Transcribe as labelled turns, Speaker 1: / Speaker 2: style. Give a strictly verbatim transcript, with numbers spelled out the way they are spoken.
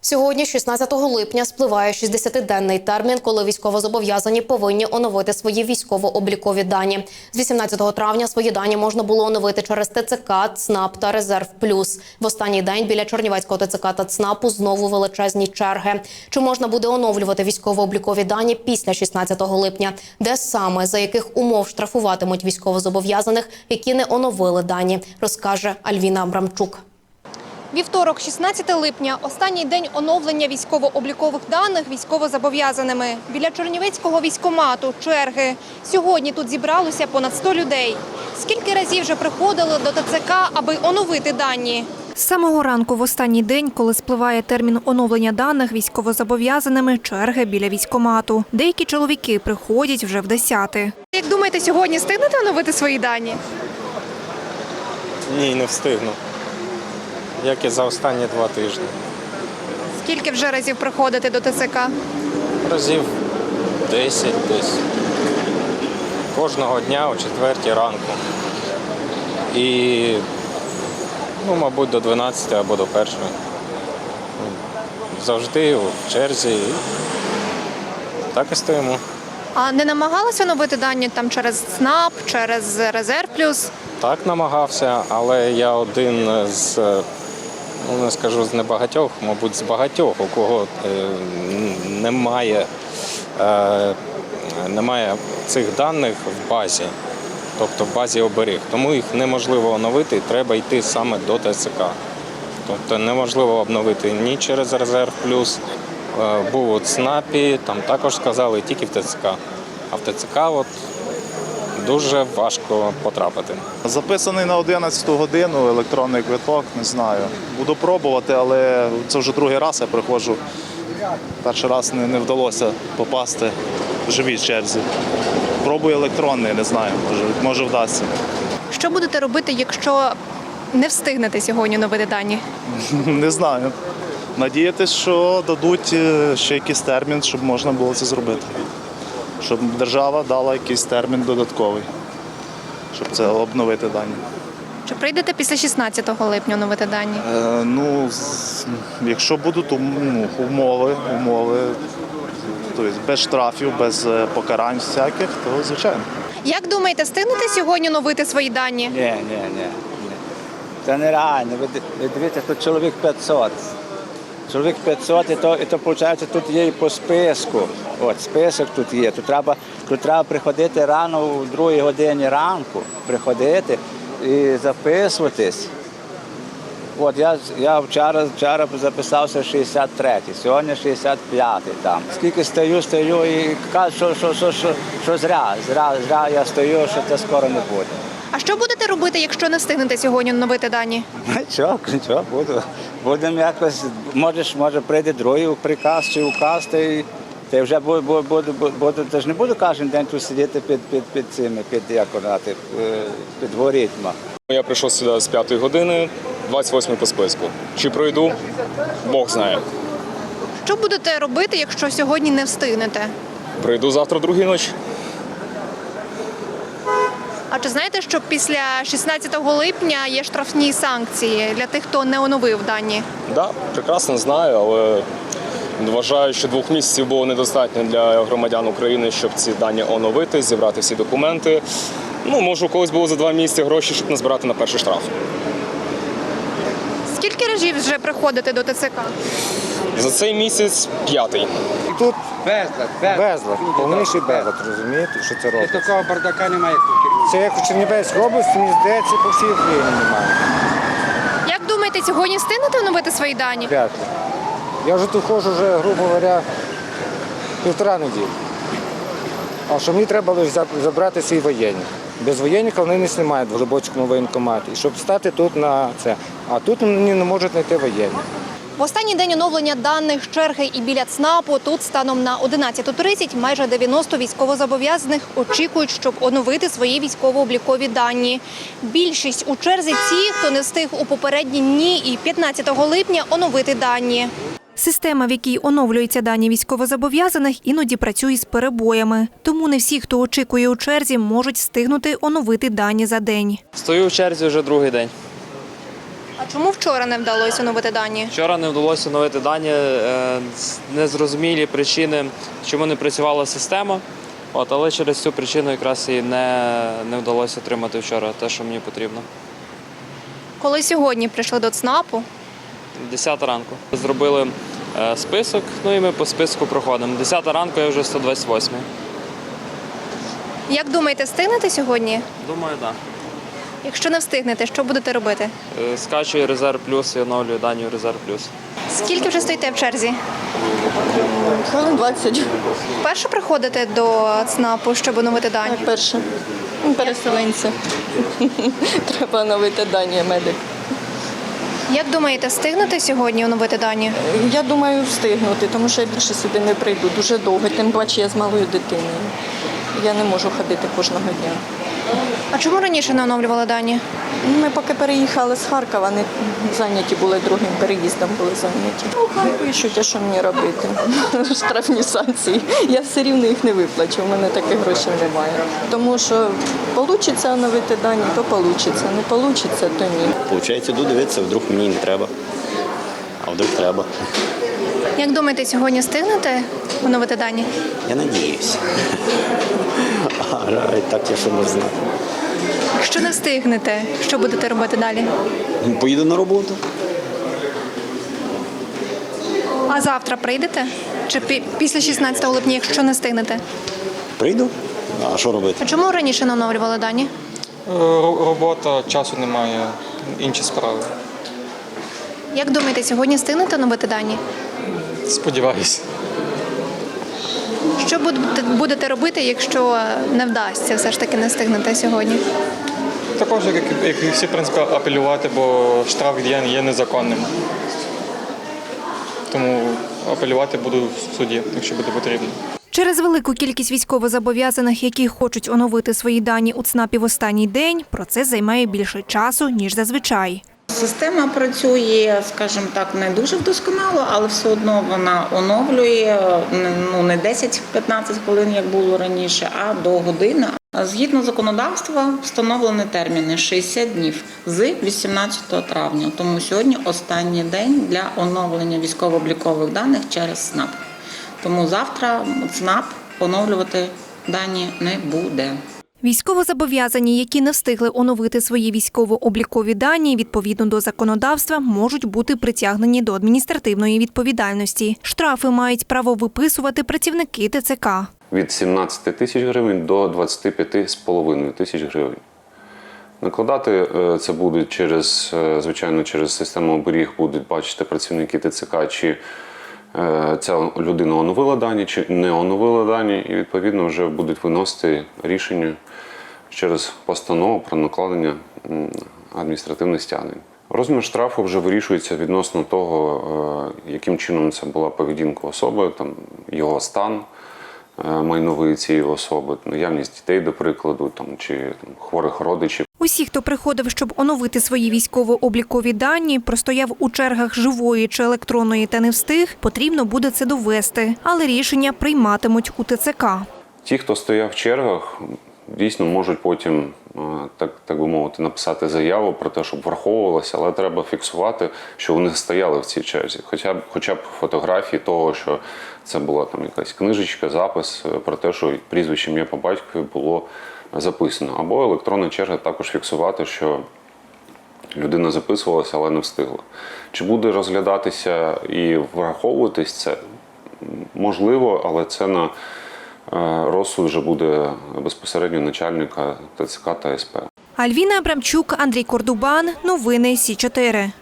Speaker 1: Сьогодні, шістнадцятого липня, спливає шістдесятиденний термін, коли військовозобов'язані повинні оновити свої військово-облікові дані. З вісімнадцятого травня свої дані можна було оновити через ТЦК, ЦНАП та Резерв Плюс. В останній день біля Чернівецького ТЦК та ЦНАПу знову величезні черги. Чи можна буде оновлювати військово-облікові дані після шістнадцятого липня? Де саме, за яких умов штрафуватимуть військовозобов'язаних, які не оновили дані, розкаже Альвіна Абрамчук.
Speaker 2: Вівторок, шістнадцяте липня, останній день оновлення військово-облікових даних військовозобов'язаними. Біля Чернівецького військкомату черги. Сьогодні тут зібралося понад сто людей. Скільки разів вже приходили до ТЦК, аби оновити дані?
Speaker 3: З самого ранку в останній день, коли спливає термін оновлення даних військовозобов'язаними, черги біля військкомату. Деякі чоловіки приходять вже в десяте.
Speaker 2: Як думаєте, сьогодні встигнете оновити свої дані?
Speaker 4: Ні, не встигну. Як і за останні два тижні.
Speaker 2: Скільки вже разів приходите до ТЦК?
Speaker 4: Разів десять десь. Кожного дня о четвертій ранку. І, ну, мабуть, до дванадцятої або до першої. Завжди в черзі. Так і стоїмо.
Speaker 2: А не намагалися оновити дані там через ЦНАП, через Резерв Плюс?
Speaker 4: Так намагався, але я один з, ну не скажу з небагатьох, мабуть, з багатьох, у кого е, немає, е, немає цих даних в базі, тобто в базі оберіг. Тому їх неможливо оновити, треба йти саме до ТЦК. Тобто неможливо обновити ні через Резерв Плюс, е, був у ЦНАПі, там також сказали, тільки в ТЦК. А в ТЦК от дуже важко потрапити.
Speaker 5: Записаний на одинадцяту годину електронний квиток, не знаю. Буду пробувати, але це вже другий раз я приходжу. Перший раз не, не вдалося попасти в живій черзі. Пробую електронний, не знаю, може, може вдасться.
Speaker 2: Що будете робити, якщо не встигнете сьогодні оновити дані?
Speaker 5: Не знаю. Надіятися, що дадуть ще якийсь термін, щоб можна було це зробити. Щоб держава дала якийсь термін додатковий, щоб це обновити дані.
Speaker 2: Чи прийдете після шістнадцятого липня оновити дані?
Speaker 5: Е, ну, з, якщо будуть ну, умови, умови, тобто без штрафів, без покарань всяких, то звичайно.
Speaker 2: Як думаєте, встигнете сьогодні оновити свої дані?
Speaker 6: Ні, ні, ні. ні. Це нереально. Ви, ви дивіться, тут чоловік п'ятсот. Чоловік п'ятсот, і то, і то, виходить, тут є і по списку. От, список тут є. Тут треба, тут треба приходити рано, у другій годині ранку, приходити і записуватись. От, я, я вчора, вчора записався в шістдесят третій, сьогодні шістдесят п'ятий там. Скільки стою, стою і кажу, що, що, що, що, що зря, зря, зря я стою, що це скоро не буде.
Speaker 2: А що будете робити, якщо не встигнете сьогодні оновити дані?
Speaker 6: Нічого, нічого, буду. Будемо якось, можеш, може прийде другий приказ чи указ, та й та вже буду, буду, буду, буду, та ж не буду кожен день тут сидіти під, під, під цими, під, як казати, під алгоритмом.
Speaker 7: Я прийшов сюди з п'ятої години, двадцять восьмий по списку. Чи пройду, Бог знає.
Speaker 2: Що будете робити, якщо сьогодні не встигнете?
Speaker 7: Прийду завтра другій ночі.
Speaker 2: А чи знаєте, що після шістнадцятого липня є штрафні санкції для тих, хто не оновив дані?
Speaker 7: Так, да, прекрасно знаю, але вважаю, що двох місяців було недостатньо для громадян України, щоб ці дані оновити, зібрати всі документи. Ну, може, у когось було за два місяці гроші, щоб назбирати на перший штраф.
Speaker 2: Скільки разів вже приходите до ТЦК?
Speaker 7: За цей місяць п'ятий.
Speaker 8: Тут
Speaker 9: Безлад, безлад.
Speaker 8: безлад, повніший безлад, розумієте, що це
Speaker 9: І
Speaker 8: робить.
Speaker 9: такого бардака немає.
Speaker 8: Це як у Чернівецькій області, мені здається, по всій Україні немає.
Speaker 2: Як думаєте, сьогодні встигнете оновити свої дані?
Speaker 8: Вряд ли. Я вже тут ходжу, вже, грубо говоря, півтора неділі. А що мені треба лише забрати свій воєнник. Без воєнника вони не знімають в Глибоцькому воєнкоматі. І щоб стати тут на це. А тут мені не можуть знайти воєнник.
Speaker 2: В останній день оновлення даних черги і біля ЦНАПу тут станом на одинадцяту тридцять майже дев'яносто військовозобов'язаних очікують, щоб оновити свої військово-облікові дані. Більшість у черзі ті, хто не встиг у попередні дні і п'ятнадцятого липня оновити дані.
Speaker 3: Система, в якій оновлюються дані військовозобов'язаних, іноді працює з перебоями. Тому не всі, хто очікує у черзі, можуть встигнути оновити дані за день.
Speaker 10: Стою в черзі вже другий день.
Speaker 2: А чому вчора не вдалося оновити дані?
Speaker 10: Вчора не вдалося оновити дані, е, з- незрозумілі причини, чому не працювала система. От, але через цю причину якраз і не, не вдалося отримати вчора те, що мені потрібно.
Speaker 2: Коли сьогодні прийшли до ЦНАПу,
Speaker 10: десята ранку. Зробили е, список, ну і ми по списку проходимо. десята ранку, я вже сто двадцять восьмий.
Speaker 2: як думаєте, встигнете сьогодні?
Speaker 10: Думаю, так.
Speaker 2: Якщо не встигнете, що будете робити?
Speaker 10: Да. Скачую резерв плюс і оновлюю дані в резерв плюс.
Speaker 2: Скільки вже стоїте в черзі?
Speaker 11: Хвилин двадцять.
Speaker 2: Вперше приходите до ЦНАПу, щоб оновити дані?
Speaker 11: Перше. Переселенці. Треба оновити дані, я медик.
Speaker 2: Як думаєте, встигнете сьогодні оновити дані?
Speaker 11: Я думаю, встигнути, тому що я більше сюди не прийду. Дуже довго. Тим паче я з малою дитиною. Я не можу ходити кожного дня.
Speaker 2: А чому раніше не оновлювали дані?
Speaker 11: Ми поки переїхали з Харкова, не зайняті були другим переїздом, були зайняті. Ну, хай пишуть, а що мені робити? Штрафні санкції. Я все рівно їх не виплачу, у мене таких грошей немає. Тому що вийде оновити дані, то вийде, не вийде, то ні.
Speaker 12: Получається, йду дивитися, вдруг мені не треба, а вдруг треба.
Speaker 2: Як думаєте, сьогодні встигнете оновити дані?
Speaker 12: Я надіюсь. А так я що можу знати.
Speaker 2: Якщо не встигнете, що будете робити далі?
Speaker 12: Поїду на роботу.
Speaker 2: А завтра прийдете? Чи пі- після шістнадцятого липня, якщо не встигнете?
Speaker 12: Прийду, а що робити?
Speaker 2: А чому раніше не оновлювали дані?
Speaker 13: Робота, часу немає, інші справи.
Speaker 2: Як думаєте, сьогодні встигнете оновити дані?
Speaker 13: Сподіваюсь.
Speaker 2: Що будете, будете робити, якщо не вдасться, все ж таки не встигнете сьогодні?
Speaker 13: Також, як, як і всі, в принципі, апелювати, бо штраф є, є незаконним. Тому апелювати буду в суді, якщо буде потрібно.
Speaker 3: Через велику кількість військовозобов'язаних, які хочуть оновити свої дані у ЦНАПі в останній день, процес займає більше часу, ніж зазвичай.
Speaker 14: Система працює, скажімо так, не дуже вдосконало, але все одно вона оновлює ну, не десять-п'ятнадцять хвилин, як було раніше, а до години. Згідно законодавства встановлені терміни шістдесят днів з вісімнадцятого травня. Тому сьогодні останній день для оновлення військово-облікових даних через ЦНАП. Тому завтра ЦНАП оновлювати дані не буде.
Speaker 3: Військовозобов'язані, які не встигли оновити свої військово-облікові дані, відповідно до законодавства, можуть бути притягнені до адміністративної відповідальності. Штрафи мають право виписувати працівники ТЦК.
Speaker 15: Від сімнадцяти тисяч гривень до двадцяти п'яти з половиною тисяч гривень. Накладати це будуть через, звичайно, через систему оберіг будуть бачити працівники ТЦК, чи ця людина оновила дані, чи не оновила дані, і відповідно вже будуть виносити рішення через постанову про накладення адміністративних стягнень. Розмір штрафу вже вирішується відносно того, яким чином це була поведінка особи, там, його стан майновий цієї особи, наявність дітей, до прикладу, там, чи там, хворих родичів.
Speaker 3: Усі, хто приходив, щоб оновити свої військово-облікові дані, простояв у чергах живої чи електронної та не встиг, потрібно буде це довести. Але рішення прийматимуть у ТЦК.
Speaker 15: Ті, хто стояв в чергах, дійсно можуть потім, так, так би мовити, написати заяву про те, щоб враховувалося, але треба фіксувати, що вони стояли в цій черзі. Хоча б, хоча б фотографії того, що це була там якась книжечка, запис про те, що прізвище ім'я по батькові було записано. Або електронна черга також фіксувати, що людина записувалася, але не встигла. Чи буде розглядатися і враховуватись це? Можливо, але це на розсуд вже буде безпосередньо начальника ТЦК та СП.
Speaker 3: Альвіна Абрамчук, Андрій Кордубан. Новини Сі чотири.